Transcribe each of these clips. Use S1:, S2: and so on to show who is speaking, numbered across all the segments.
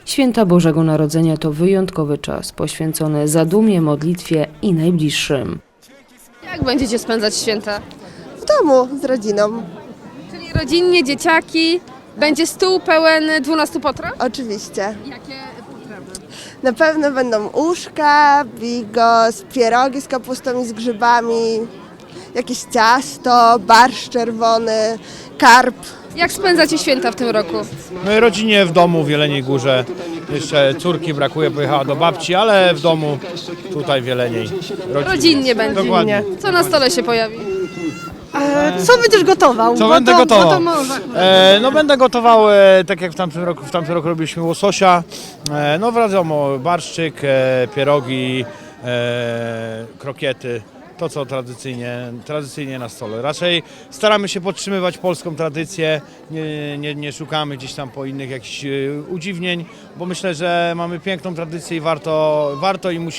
S1: Święta Bożego Narodzenia to wyjątkowy czas poświęcony zadumie, modlitwie i najbliższym.
S2: Jak będziecie spędzać święta?
S3: W domu z rodziną,
S2: Czyli rodzinnie, dzieciaki, będzie stół pełen 12 potraw?
S3: oczywiście.
S2: Jakie potrawy?
S3: Na pewno będą uszka, bigos, pierogi z kapustą i z grzybami, jakieś ciasto, barszcz czerwony, karp.
S2: Jak spędzacie święta w tym roku?
S4: My rodzinie w domu w Jeleniej Górze. Jeszcze córki brakuje, pojechała do babci, ale w domu tutaj w Jeleniej.
S2: Rodzinnie będzie.
S4: Dokładnie.
S2: Co na stole się pojawi?
S5: Co będziesz gotował?
S4: Co będę gotował? No będę gotował, tak jak w tamtym roku robiliśmy łososia. No wiadomo, barszczyk, pierogi, krokiety. To co tradycyjnie na stole. Raczej staramy się podtrzymywać polską tradycję, nie szukamy gdzieś tam po innych jakichś udziwnień, bo myślę, że mamy piękną tradycję i warto i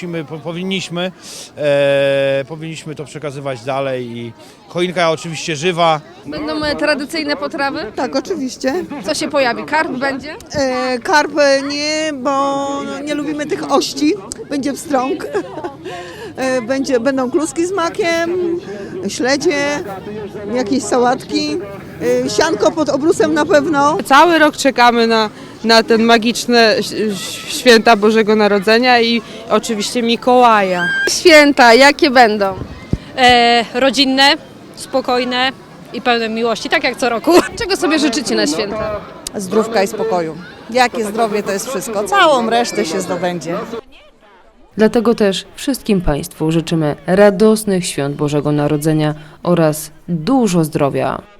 S4: powinniśmy to przekazywać dalej. I choinka oczywiście żywa.
S2: Będą tradycyjne potrawy?
S5: Tak, oczywiście.
S2: Co się pojawi? Karp będzie?
S5: Karp nie, bo nie lubimy tych ości. Będzie pstrąg. Będą kluski z makiem, śledzie, jakieś sałatki, sianko pod obrusem na pewno.
S6: Cały rok czekamy na ten magiczne święta Bożego Narodzenia i oczywiście Mikołaja.
S2: Święta, jakie będą?
S7: Rodzinne, spokojne i pełne miłości, tak jak co roku.
S2: Czego sobie życzycie na święta?
S5: Zdrówka i spokoju. Jakie zdrowie to jest wszystko. Całą resztę się zdobędzie.
S1: Dlatego też wszystkim Państwu życzymy radosnych świąt Bożego Narodzenia oraz dużo zdrowia.